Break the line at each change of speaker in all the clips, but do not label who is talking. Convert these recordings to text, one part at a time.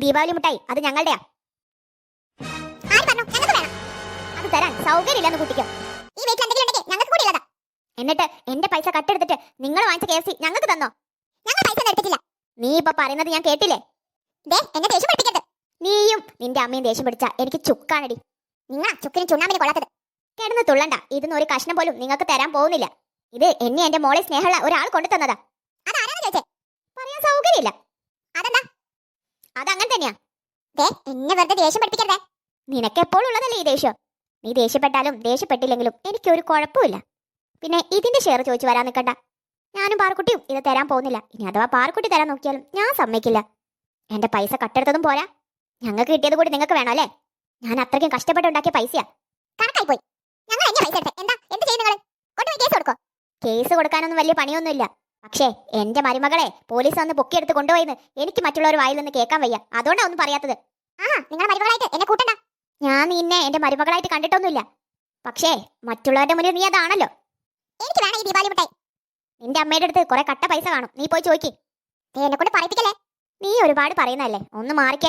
ദീപാവലി മുട്ടായി അത് ഞങ്ങളുടെയാ. അത് തരാൻ സൗകര്യമില്ലെന്ന് കുട്ടിക്കോ. ഈ വീട്ടിൽ എന്തെങ്കിലും ഉണ്ടെങ്കിൽ ഞങ്ങൾക്ക് കൂടി ഉള്ളതാ. എന്നിട്ട് എന്റെ പൈസ കട്ടെടുത്തിട്ട് നിങ്ങൾ വാങ്ങിച്ച KFC ഞങ്ങൾക്ക് തന്നോ? ഞങ്ങൾ പൈസ എടുത്തിട്ടില്ല. നീ ഇപ്പൊ പറയുന്നത് ഞാൻ കേട്ടില്ലേ? എന്നെ ദേഷ്യം പഠിപ്പിക്കരുത്. നീയും നിന്റെ അമ്മയും ദേഷ്യം പിടിച്ചാ എനിക്ക് ചുക്കാണടി. നിങ്ങൾ ചുക്കിനും ചുണ്ണാമ്പിനും കൊള്ളാത്തത്. കിടന്ന് തുള്ളണ്ട. ഇതൊന്നും ഒരു കഷ്ണം പോലും നിങ്ങൾക്ക് തരാൻ പോകുന്നില്ല. ഇത് എന്നെ എന്റെ മോളെ സ്നേഹമുള്ള ഒരാൾ കൊണ്ടു തന്നതാ. അതാരാന്ന് ചോദിച്ചേ? പറയാൻ സൗകര്യമില്ല. അതെന്താ? അതങ്ങനെ തന്നെയാ. എന്നെ വെറുതെ ദേഷ്യം പഠിപ്പിക്കരുതേ. നിനക്ക് എപ്പോഴും ഉള്ളതല്ലേ ഈ ദേഷ്യം. നീ ദേഷ്യപ്പെട്ടാലും ദേഷ്യപ്പെട്ടില്ലെങ്കിലും എനിക്കൊരു കുഴപ്പമില്ല. പിന്നെ ഇതിന്റെ ഷെയർ ചോദിച്ചു വരാൻ നിൽക്കണ്ട. ഞാനും പാറക്കുട്ടിയും ഇത് തരാൻ പോകുന്നില്ല. ഇനി അഥവാ പാറക്കുട്ടി തരാൻ നോക്കിയാലും ഞാൻ സമ്മതിക്കില്ല. എന്റെ പൈസ കട്ടെടുത്തതും പോരാ, ഞങ്ങൾക്ക് കിട്ടിയത് കൂടി നിങ്ങൾക്ക് വേണം അല്ലേ? ഞാൻ അത്രയ്ക്കും കഷ്ടപ്പെട്ടുണ്ടാക്കിയ പൈസയാ. കണക്കായി പോയി. ഞങ്ങൾ എന്നെ പൈസ എടുത്തേ. എന്താ എന്ത് ചെയ്യും നിങ്ങൾ? കൊണ്ടുപോയി കേസ് കൊടുക്കോ? കേസ് കൊടുക്കാനൊന്നും വലിയ പണിയൊന്നുമില്ല. പക്ഷേ എന്റെ മരുമകളെ പോലീസ് വന്ന് പൊക്കിയെടുത്ത് കൊണ്ടുപോയിന്ന് എനിക്ക് മറ്റുള്ളവർ വായിൽ നിന്ന് കേൾക്കാൻ വയ്യ. അതുകൊണ്ടാ ഒന്നും പറയാത്തത്. നിങ്ങളുടെ മരുമകളായിട്ട് എന്നെ കൂട്ടണ്ട. ഞാൻ നിന്നെ എന്റെ മരുമകളായിട്ട് കണ്ടിട്ടൊന്നുമില്ല. പക്ഷേ മറ്റുള്ളവരുടെ മുന്നിൽ നീ അതാണല്ലോ. എനിക്ക് വേണം ഈ ദീപാവലി മിഠായി. നിന്റെ അമ്മയുടെ അടുത്ത് കുറെ കട്ട പൈസ കാണും. നീ പോയി ചോദിക്ക്. എന്നെ കൊണ്ട് പറയിപ്പിക്കല്ലേ. നീ ഒരുപാട് പറയുന്നല്ലേ. ഒന്ന് മാറിക്കേ.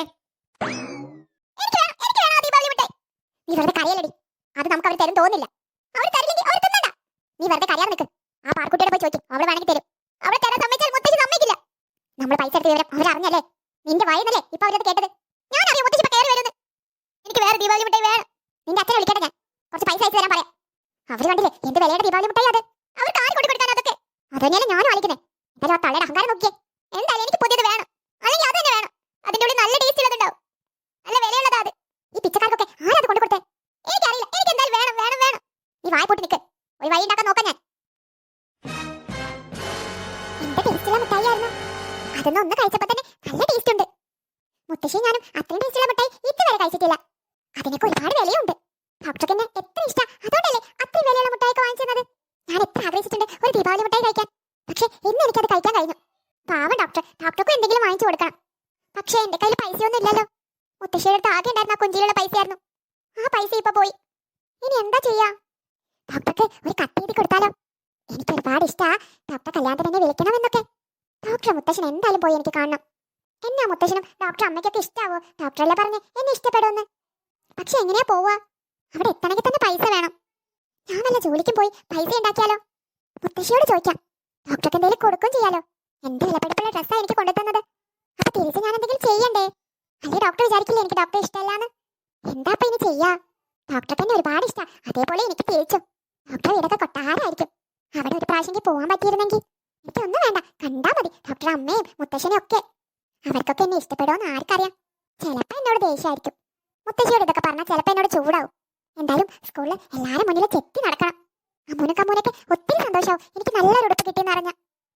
നീ വെറുതെ കരയല്ലടി. അത് നമുക്ക് അവർ തരും തോന്നില്ല. അവർ തരില്ലെങ്കിൽ അവർ തിന്നണ്ട. നീ വെറുതെ കരയാൻ നിൽക്ക്. ആ പാർക്കുട്ടിയോട് പോയി ചോദിക്കും. അവൾ വേണമെങ്കിൽ തരും. അവളെ തരാൻ സമ്മതിച്ചാൽ മുത്തശ്ശി സമ്മതിക്കില്ല. നമ്മൾ പൈസ എടുത്ത വിവരം അവരറിഞ്ഞല്ലേ? നിന്റെ വായിന്നല്ലേ ഇപ്പൊ അവരത് കേട്ടത്. ഞാൻ അറിയാം മുത്തശ്ശി ഇപ്പൊ കയറി വരുന്നത്. എനിക്ക് വേറെ ദീപാവലി മിഠായി വേണം. നിന്റെ അച്ഛനെ വിളിക്കട്ടെ ഞാൻ. കുറച്ച് പൈസ അയച്ചു തരാൻ പറയാം. അവർ കണ്ടില്ലേ എന്ത് വിലയുടെ ദീപാവലി മിഠായി അത്. അവർക്ക് ആര് കൊണ്ടു കൊടുക്കാൻ അതൊക്കെ. അതന്നെയാണ് ഞാനും ആലിക്കുന്നത്. എന്തായാലും ആ തള്ളയുടെ അഹങ്കാരം നോക്കിയേ. എന്തായാലും എനിക്ക് പുതിയത് വേണം. അല്ലെങ്കിൽ അത് തന്നെ വേണം. അതിന്റെ ഉള്ളിൽ നല്ല ടേസ്റ്റ് ഉള്ളതുണ്ടാവും. നല്ല വിലയുള്ളതാ അത്. ഈ പിച്ചക്കാർക്കൊക്കെ ആരത് കൊണ്ടു കൊടുത്തേ? എനിക്കറിയില്ല. എനിക്ക് എന്തായാലും വേണം വേണം വേണം. നീ വായ പൂട്ടി നിൽക്ക്. ഒരു വഴി ഉണ്ടാക്കാൻ നോക്കാം ഞാൻ. എന്താ ടേസ്റ്റുള്ള മിഠായിയായിരുന്നു. അതൊന്നും ഒന്ന് കഴിച്ചപ്പോ തന്നെ നല്ല ടേസ്റ്റ് ഉണ്ട്. മുത്തശ്ശി ഞാനും അത്രയും ടേസ്റ്റുള്ള മിഠായി ഇതുവരെ കഴിച്ചിട്ടില്ല. അതിനൊക്കെ ഒരുപാട് വിലയുണ്ട്. ഡോക്ടർക്ക് എന്നെ എത്ര ഇഷ്ടം. അതുകൊണ്ടല്ലേ അത്രയും വിലയുള്ള മിഠായിയൊക്കെ വാങ്ങിച്ചത്. ഞാൻ എത്ര ആഗ്രഹിച്ചിട്ടുണ്ട് ഒരു ദീപാവലി മിഠായി കഴിക്കാൻ. പക്ഷേ ഇന്ന് എനിക്കത് കഴിക്കാൻ കഴിഞ്ഞു. പാവം ഡോക്ടർക്കും എന്തെങ്കിലും വാങ്ങിച്ചു കൊടുക്കണം. പക്ഷേ എന്റെ കയ്യിൽ പൈസയൊന്നും ഇല്ലല്ലോ. മുത്തശ്ശിയുടെ അടുത്ത് ആകെ ഉണ്ടായിരുന്ന ആ കുഞ്ചിലുള്ള പൈസയായിരുന്നു. ആ പൈസ ഇപ്പൊ പോയി. ഇനി എന്താ ചെയ്യാ? ഡോക്ടർക്ക് ഒരു കത്ത് എഴുതി കൊടുത്താലോ? എനിക്ക് ഒരുപാട് ഇഷ്ടാ ഡോക്ടർ കല്യാണത്തിന് എന്നെ വിളിക്കണമെന്നൊക്കെ. ഡോക്ടർ മുത്തശ്ശൻ എന്തായാലും പോയി എനിക്ക് കാണണം. എന്നാ മുത്തശ്ശനും ഡോക്ടർ അമ്മയ്ക്കൊക്കെ ഇഷ്ടാവോ? ഡോക്ടറല്ലേ പറഞ്ഞ് എന്നെ ഇഷ്ടപ്പെടുമെന്ന്. പക്ഷെ എങ്ങനെയാ പോവാ? അവിടെ എത്തണമെങ്കിൽ തന്നെ പൈസ വേണം. ഞാൻ വല്ല ജോലിക്കും പോയി പൈസ ഉണ്ടാക്കിയാലോ? മുത്തശ്ശിയോട് ചോദിക്കാം. ഡോക്ടർക്ക് എന്തെങ്കിലും കൊടുക്കും ചെയ്യാലോ. എന്റെ വിലപ്പെടുപ്പുള്ള ഡ്രസ്സാ എനിക്ക് കൊണ്ടുതന്നത്. അപ്പൊ തിരിച്ച് ഞാൻ എന്തെങ്കിലും ചെയ്യണ്ടേ? അല്ലെ ഡോക്ടർ വിചാരിക്കില്ലേ എനിക്ക് ഡോക്ടറെ ഇഷ്ടമല്ലാന്ന്? എന്താ ഇപ്പൊ ഇനി ചെയ്യാ? ഡോക്ടർക്ക് എന്നെ ഒരുപാട് ഇഷ്ടാ. അതേപോലെ എനിക്ക് തിരിച്ചും. ഡോക്ടർ വീടൊക്കെ കൊട്ടാരമായിരിക്കും. അവിടെ ഒരു പ്രാവശ്യം പോവാൻ പറ്റിയിരുന്നെങ്കിൽ. എനിക്കൊന്നും വേണ്ട, കണ്ടാ മതി ഡോക്ടർ അമ്മയും മുത്തശ്ശനും ഒക്കെ. അവർക്കൊക്കെ എന്നെ ഇഷ്ടപ്പെടുമെന്ന് ആർക്കറിയാം. ചിലപ്പോ എന്നോട് ദേഷ്യമായിരിക്കും. മുത്തശ്ശിയോട് ഇതൊക്കെ പറഞ്ഞാൽ ചിലപ്പോ എന്നോട് ചൂടാവും. എന്തായാലും സ്കൂളിൽ എല്ലാരും മുന്നിൽ ചെത്തി നടക്കണം. അമ്മൂനൊക്കെ ഒത്തിരി സന്തോഷമാവും എനിക്ക് നല്ലൊരു ഉടുപ്പ് കിട്ടിയെന്ന് അറിഞ്ഞ.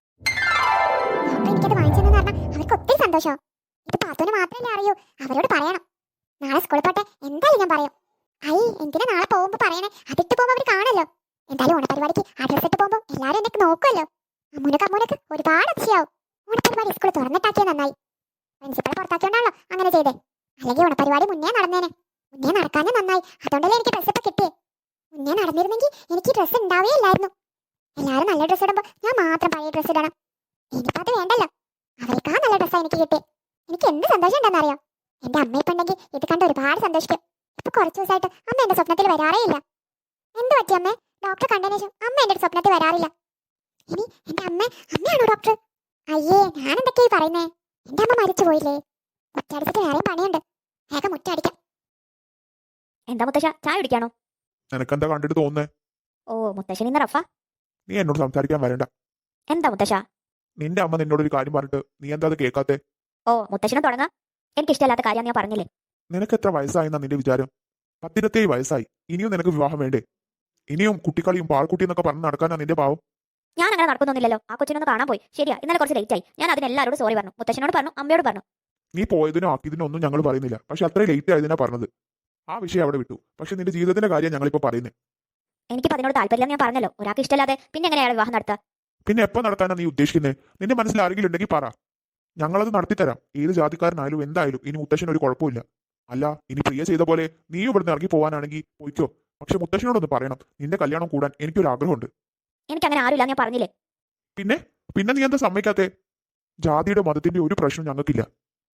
ഡോക്ടർ എനിക്കത് വാങ്ങിച്ചെന്ന് പറഞ്ഞാൽ അവർക്ക് ഒത്തിരി സന്തോഷമാവും. ഇത് പാത്തുവിന് മാത്രമല്ലേ അറിയൂ. അവരോട് പറയണം. നാളെ സ്കൂളിൽ പോട്ടെ എന്തായാലും ഞാൻ പറയും. എന്തിനാ നാളെ പോകുമ്പോ പറയണേ? അതിട്ട് പോകുമ്പോ അവർ കാണല്ലോ. എന്തായാലും ഓണപരിപാടിക്ക് ആ ഡ്രസ് ഇട്ട് പോകുമ്പോ എല്ലാരും എന്നെ നോക്കുമല്ലോ. അമ്മൂനൊക്കെ ഒരുപാട് അതിശയാവും. ഓണപരിപാടി സ്കൂൾ തുറന്നിട്ടാക്കിയ നന്നായി. പ്രിൻസിപ്പൾ പുറത്താക്കിയോണ്ടാണല്ലോ അങ്ങനെ ചെയ്തേ. അല്ലെങ്കിൽ ഓണപരിപാടി മുന്നേ നടന്നേനെ. മുന്നേ നടക്കാനേ നന്നായി. അതുകൊണ്ടല്ലേ എനിക്ക് ഡ്രസ് ഇപ്പൊ കിട്ടിയേ. മുന്നേ നടന്നിരുന്നെങ്കിൽ എനിക്ക് ഡ്രസ് ഉണ്ടാവേ ഇല്ലായിരുന്നു. എല്ലാരും നല്ല ഡ്രസ് ഇടുമ്പോ ഞാൻ മാത്രം പഴയ ഡ്രസ് ഇടണം. ഇനിയിപ്പോ അത് വേണ്ടല്ലോ. അവർക്കാ നല്ല ഡ്രസ്സാ എനിക്ക് കിട്ടിയേ. എനിക്ക് എന്ത് സന്തോഷം ഉണ്ടെന്നറിയോ? എന്റെ അമ്മ ഇപ്പൊ ഉണ്ടെങ്കിൽ ഇത് കണ്ട് ഒരുപാട് സന്തോഷിക്കും. ഇപ്പൊ കുറച്ചു ദിവസമായിട്ട് അമ്മ എന്റെ സ്വപ്നത്തിൽ വരാറേ ഇല്ല. എന്ത് പറ്റി അമ്മേ? ഡോക്ടർ കണ്ടതിന് ശേഷം അമ്മ എന്റെ സ്വപ്നത്തിൽ വരാറില്ല. ഇനി എന്റെ അമ്മയാണോ ഡോക്ടർ? അയ്യേ, ഞാൻ എന്തൊക്കെയായി പറയുന്നേ? എന്റെ അമ്മ മരിച്ചു പോയില്ലേ? മുറ്റടിച്ചിട്ട് വേറെയും പണിയുണ്ട്. വേഗം മുറ്റടിക്കാം.
എന്താ മുത്തശ്ശ, ചായ കുടിക്കാണോ?
നിനക്കെന്താ കണ്ടിട്ട് തോന്നുന്നേ?
ഓ മുത്തശ്ശൻ ഇന്ന് റഫ.
നീ എന്നോട് സംസാരിക്കാൻ വരണ്ട.
എന്താ മുത്തശ്ശ?
നിന്റെ അമ്മ നിന്നോട് ഒരു കാര്യം പറഞ്ഞിട്ട് നീ എന്താ അത് കേൾക്കാത്തെ?
ഓ മുത്തശ്ശനും തുടങ്ങാം. എനിക്ക് ഇഷ്ടമല്ലാത്ത കാര്യം ഞാൻ പറഞ്ഞില്ലേ.
നിനക്ക് എത്ര വയസ്സായെന്നാ നിന്റെ വിചാരം? 10-27 വയസ്സായി. ഇനിയും നിനക്ക് വിവാഹം വേണ്ടേ? ഇനിയും കുട്ടിക്കളിയും പാൽക്കുട്ടി എന്നൊക്കെ പറഞ്ഞ് നടക്കാനാ നിന്റെ പാവം.
ഞാൻ അങ്ങനെ നടക്കുന്നൊന്നുമില്ലല്ലോ. ആ കൊച്ചിനൊന്ന് കാണാൻ പോയി. ശരിയാ, ഇന്നലെ കുറച്ച് ലേറ്റ് ആയി. ഞാൻ അതിനെല്ലാവരോടും സോറി പറഞ്ഞു. മുത്തശ്ശനോട് പറഞ്ഞു, അമ്മയോട് പറഞ്ഞു.
നീ പോയതിനോ ആക്കിയതിനോ ഒന്നും ഞങ്ങൾ പറയുന്നില്ല. പക്ഷെ അത്രയും ലേറ്റ് ആയതിനാ പറഞ്ഞത്. ആ വിഷയം അവിടെ വിട്ടു. പക്ഷെ നിന്റെ ജീവിതത്തിന്റെ കാര്യം ഞങ്ങളിപ്പോ പറയുന്നത്.
എനിക്ക് അതിനോട് താല്പര്യം ഞാൻ പറഞ്ഞല്ലോ. ഒരാൾക്ക് ഇഷ്ടമല്ലാതെ പിന്നെ എങ്ങനെയാണ് വിവാഹം നടത്തുക?
പിന്നെ എപ്പോ നടത്താനാ നീ ഉദ്ദേശിക്കുന്നത്? നിന്റെ മനസ്സിൽ ആരെങ്കിലും ഉണ്ടെങ്കിൽ പറ, ഞങ്ങളത് നടത്തിത്തരാം. ഏത് ജാതിക്കാരനായാലും എന്തായാലും ഇനി മുത്തശ്ശന് ഒരു കുഴപ്പമില്ല. അല്ല, ഇനി പ്രിയ ചെയ്ത പോലെ നീ ഇവിടുന്ന് ഇറങ്ങി പോവാനാണെങ്കിൽ പോയിക്കോ. പക്ഷെ മുത്തശ്ശനോടൊന്ന് പറയണം, നിന്റെ കല്യാണം കൂടാൻ എനിക്കൊരു ആഗ്രഹമുണ്ട്.
എനിക്ക് അങ്ങനെ ആരുമില്ല, ഞാൻ പറഞ്ഞില്ലേ.
പിന്നെ പിന്നെ നീ എന്താ സമ്മതിക്കാത്തെ? ജാതിയുടെ മതത്തിന്റെ ഒരു പ്രശ്നം ഞങ്ങൾക്കില്ല.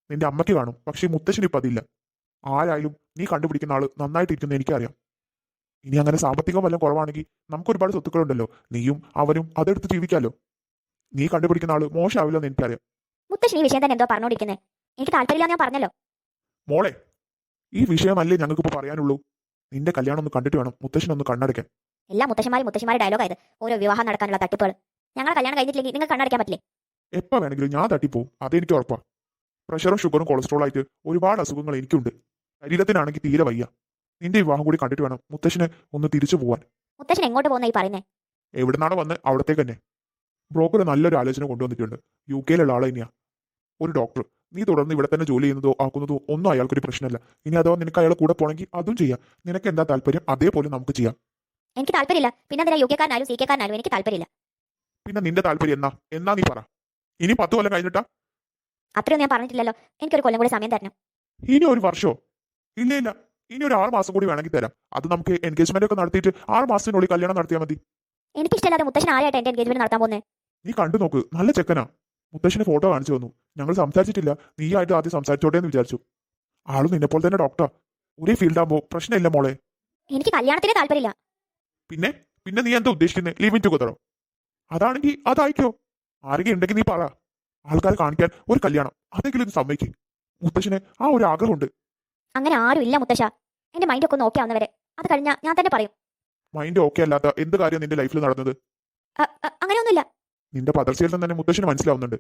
നിന്റെ അമ്മയ്ക്ക് കാണും, പക്ഷേ ഈ മുത്തശ്ശന് ഇപ്പം അതില്ല. ആരായാലും നീ കണ്ടുപിടിക്കുന്ന ആള് നന്നായിട്ടിരിക്കുന്ന എനിക്കറിയാം. ഇനി അങ്ങനെ സാമ്പത്തികം വല്ലതും കുറവാണെങ്കിൽ നമുക്ക് ഒരുപാട് സ്വത്തുക്കളുണ്ടല്ലോ, നീയും അവനും അതെടുത്ത് ജീവിക്കാലോ. നീ കണ്ടുപിടിക്കുന്ന ആള് മോശമാവില്ലെന്ന് എനിക്കറിയാം.
മുത്തശ്ശൻ ഈ വിഷയം തന്നെ എന്തോ പറഞ്ഞോണ്ടിരിക്കുന്നത്. എനിക്ക് താല്പര്യമില്ല ഞാൻ പറഞ്ഞല്ലോ.
മോളെ, ഈ വിഷയമല്ലേ ഞങ്ങൾക്കിപ്പോൾ പറയാനുള്ളൂ. നിന്റെ കല്യാണം ഒന്ന് കണ്ടിട്ട് വേണം മുത്തശ്ശനൊന്ന് കണ്ണടയ്ക്കാൻ.
എല്ലാ മുത്തശ്ശന്മാരും ഡയലോഗായത് ഓരോ വിവാഹം നടക്കാനുള്ള തട്ടിപ്പുകൾ. ഞങ്ങളെ കല്യാണം കഴിഞ്ഞിട്ടില്ലെങ്കിൽ നിങ്ങൾ കണ്ണടയ്ക്കാൻ പറ്റില്ലേ?
എപ്പോൾ വേണമെങ്കിലും ഞാൻ തട്ടിപ്പോവും, അതെനിക്ക് ഉറപ്പാ. പ്രഷറും ഷുഗറും കൊളസ്ട്രോൾ ആയിട്ട് ഒരുപാട് അസുഖങ്ങൾ എനിക്കുണ്ട്. ശരീരത്തിനാണെങ്കിൽ തീരെ വയ്യ. നിന്റെ വിവാഹം കൂടി കണ്ടിട്ട് വേണം മുത്തശ്ശന് ഒന്ന് തിരിച്ചു പോവാൻ.
മുത്തശ്ശൻ എങ്ങോട്ട് പോകുന്ന ഈ പറയുന്നേ?
എവിടുന്നാണോ വന്ന് അവിടത്തേക്ക് തന്നെ. ബ്രോക്കർ നല്ലൊരു ആലോചന കൊണ്ടുവന്നിട്ടുണ്ട്. UK-ലുള്ള ആളെ തന്നെയാ, ഒരു ഡോക്ടർ. നീ തുടർന്ന് ഇവിടെ തന്നെ ജോലി ചെയ്യുന്നതോ ആക്കുന്നതോ ഒന്നും അയാൾക്കൊരു പ്രശ്നമല്ല. ഇനി അഥവാ നിനക്ക് അയാളെ കൂടെ പോകണമെങ്കിൽ അതും ചെയ്യാം. നിനക്ക് എന്താ താല്പര്യം അതേപോലെ നമുക്ക് ചെയ്യാം.
എനിക്ക് താല്പര്യമില്ല. പിന്നെ എന്തിനാ UK-കാരനായാലും CK-കാരനായാലും എനിക്ക് താല്പര്യമില്ല.
പിന്നെ നിന്റെ താല്പര്യം എന്നാ നീ പറ. ഇനി 10 കൊല്ലം കഴിഞ്ഞിട്ടാ?
അത്രയൊന്നും ഞാൻ പറഞ്ഞിട്ടില്ലല്ലോ. എനിക്കൊരു കൊല്ലം കൂടി സമയം തരണം.
ഇനി ഒരു വർഷമോ? ഇല്ല, ഇനി ഒരു 6 മാസം കൂടി വേണമെങ്കിൽ തരാം. അത് നമുക്ക് എൻഗേജ്മെന്റ് ഒക്കെ നടത്തിയിട്ട് 6 മാസത്തിനുള്ളിൽ കല്യാണം നടത്തിയാൽ മതി.
എനിക്കിഷ്ടമല്ലാതെ മുത്തശ്ശൻ ആരായിട്ട് എന്റെ എൻഗേജ്മെന്റ് നടത്താൻ പോകുന്നത്?
നീ കണ്ടു നോക്ക്, നല്ല ചെക്കനാ. മുത്തശ്ശന് ഫോട്ടോ കാണിച്ചു തന്നു. ഞങ്ങൾ സംസാരിച്ചിട്ടില്ല, നീയായിട്ട് ആദ്യം സംസാരിച്ചോട്ടെ എന്ന് വിചാരിച്ചു. ആളും നിന്നെപ്പോൾ തന്നെ ഡോക്ടറാ. ഒരേ ഫീൽഡാകുമ്പോൾ പ്രശ്നമില്ല മോളെ.
എനിക്ക് കല്യാണത്തിന് താല്പര്യമില്ല.
പിന്നെ നീ എന്താ ഉദ്ദേശിക്കുന്നത്? ലിവിങ് ടുഗദറോ? അതാണെങ്കിൽ അതായിക്കോ. ആരെങ്കിലും ഉണ്ടെങ്കിൽ നീ പറ. ആൾക്കാരെ കാണിക്കാൻ ഒരു കല്യാണം, അതെങ്കിലും ഇത് സമ്മതിക്ക്. മുത്തശ്ശന് ആ ഒരു ആഗ്രഹമുണ്ട്.
അങ്ങനെ ആരും ഇല്ല മുത്തശ്ശ. എന്റെ മൈൻഡൊക്കെ ഒന്ന് ഓക്കെ ആവുന്നവരെ. അത് കഴിഞ്ഞാൽ ഞാൻ തന്നെ പറയും.
മൈൻഡ് ഓക്കെ അല്ലാത്ത എന്ത് കാര്യം നിന്റെ ലൈഫിൽ നടന്നത്?
അങ്ങനെയൊന്നുമില്ല.
നിന്റെ പദർച്ചയിൽ തന്നെ മുത്തശ്ശന് മനസ്സിലാവുന്നുണ്ട്.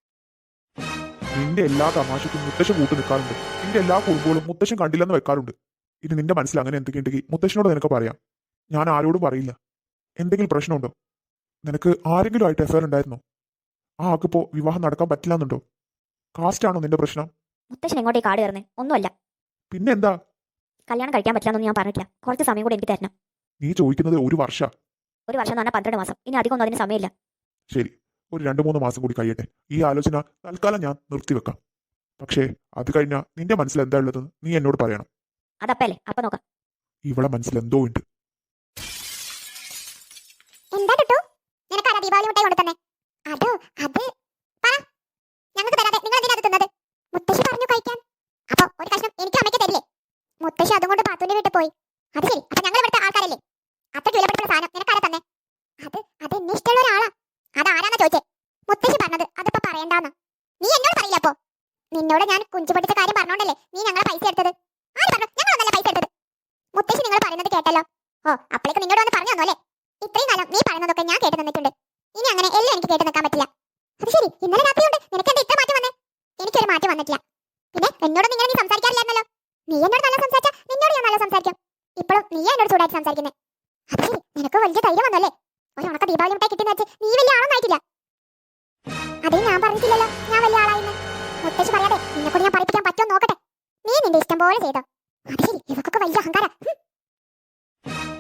നിന്റെ എല്ലാ തമാശയ്ക്കും മുത്തശ്ശൻ കൂട്ടു നിൽക്കാറുണ്ട്. നിന്റെ എല്ലാ കുറുമ്പുകളും മുത്തശ്ശൻ കണ്ടില്ലെന്ന് വെക്കാറുണ്ട്. ഇനി നിന്റെ മനസ്സിൽ അങ്ങനെ എന്തൊക്കെയുണ്ടെങ്കിൽ മുത്തശ്ശനോട് നിനക്ക് പറയാം. ഞാൻ ആരോടും പറയില്ല. എന്തെങ്കിലും പ്രശ്നമുണ്ടോ? നിനക്ക് ആരെങ്കിലും ആയിട്ട് അഫയർ ഉണ്ടായിരുന്നോ? ആ ആക്കിപ്പോ വിവാഹം നടക്കാൻ പറ്റില്ല എന്നുണ്ടോ? കാസ്റ്റ് ആണോ നിന്റെ പ്രശ്നം?
മുത്തശ്ശൻ എങ്ങോട്ടേ കാട് കയറുന്നേ? ഒന്നുമല്ല.
പിന്നെ എന്താ?
കല്യാണം കഴിക്കാൻ പറ്റില്ലെന്നൊന്നും ഞാൻ പറഞ്ഞിട്ടില്ല. കുറച്ച് സമയം കൂടി എനിക്ക് തരണം.
നീ ചോദിക്കുന്നത് ഒരു വർഷ?
ഒരു വർഷം എന്ന് പറഞ്ഞാൽ 12 മാസം. ഇനി അധികം ഒന്നും അതിന് സമയമില്ല.
ശരി, ഒരു 2-3 മാസം കൂടി കഴിയട്ടെ. ഈ ആലോചന തൽക്കാലം ഞാൻ നിർത്തിവെക്കാം. പക്ഷേ അത് കഴിഞ്ഞാൽ നിന്റെ മനസ്സിൽ എന്താ ഉള്ളതെന്ന് നീ എന്നോട് പറയണം.
അതപ്പല്ലേ, അപ്പൊ നോക്കാം.
ഇവളെ മനസ്സിൽ എന്തോ ഉണ്ട്.
എന്താ ടുട്ടു, നിനക്ക് ആരാ ദീപാവലി മുട്ടായി കൊണ്ടു തന്നെ? അതോ അത് പറ. ഞങ്ങൾക്ക് തരാതെ നിങ്ങൾ എന്തിനാ അത് തിന്നത്? മുത്തശ്ശി പറഞ്ഞു കഴിക്കാൻ. അപ്പൊ ഒരു കഷ്ണം എനിക്ക് അമ്മയ്ക്ക് തരില്ലേ? മുത്തശ്ശി അതും കൊണ്ട് പാത്തുവിന്റെ വീട്ടിൽ പോയി. അത് ശരി, അപ്പൊ ഞങ്ങൾ ഇവിടുത്തെ ആൾക്കാരല്ലേ? അത്ര വിലപ്പെട്ട സാധനം നിനക്കാരാ തന്നെ? അത് എന്നെ ഇഷ്ടമുള്ള ഒരാളാ. അതാരാന്നാ ചോദിച്ചേ? മുത്തശ്ശി പറഞ്ഞത് അതിപ്പോ പറയണ്ടാന്ന്. നീ എന്നോട് പറയില്ല അപ്പോ? നിന്നോട് ഞാൻ കുഞ്ചു പഠിച്ച കാര്യം പറഞ്ഞോണ്ടല്ലേ നീ ഞങ്ങളെ പൈസ എടുത്തത്? ആര് പറഞ്ഞു? ഞങ്ങളൊന്നല്ല പൈസ എടുത്തത്. മുത്തശ്ശി നിങ്ങൾ പറയുന്നത് കേട്ടല്ലോ. ഓ, അപ്പോഴേക്ക് നിന്നോട് വന്ന് പറഞ്ഞു തന്നോല്ലേ? ഇത്രയും കാലം നീ പറയുന്നതൊക്കെ ഞാൻ കേട്ട് നിന്നിട്ടുണ്ട്. ഇനി അങ്ങനെ എല്ലാം എനിക്ക് കേട്ട് നിൽക്കാൻ പറ്റില്ല. അത് ശരി, ഇന്നലെ രാത്രിയുണ്ട് നിനക്ക് എന്താ ഇത്ര മാറ്റം വന്നേ? എനിക്കൊരു മാറ്റം വന്നിട്ടില്ല. പിന്നെ എന്നോട് നിങ്ങൾ നീ സംസാരിക്കാറില്ലായിരുന്നല്ലോ. നീ എന്നോട് നല്ല സംസാരിച്ചാ നിന്നോട് ഞാൻ നല്ല സംസാരിക്കും. ഇപ്പോഴും നീ എന്നോട് ചൂടായിട്ട് സംസാരിക്കുന്നേ. അത് ശരി, നിനക്ക് വലിയ ധൈര്യം വന്നല്ലേ? ഒരു ഉണക്ക ദീപാവലി മുട്ടായി കിട്ടിയെന്ന് വെച്ച് നീ വലിയ ആളൊന്നായിട്ടില്ല. അതേ ഞാൻ പറഞ്ഞിട്ടില്ലല്ലോ ഞാൻ വലിയ ആളായിന്ന്. മുത്തശ്ശി പറയാതെ നിന്നെ കൂടി ഞാൻ പഠിപ്പിക്കാൻ പറ്റുമോ നോക്കട്ടെ. നീ നിന്റെ ഇഷ്ടം പോലെ ചെയ്തോ. അത് ശരി, ഇവക്കൊക്കെ വലിയ അഹങ്കാരം.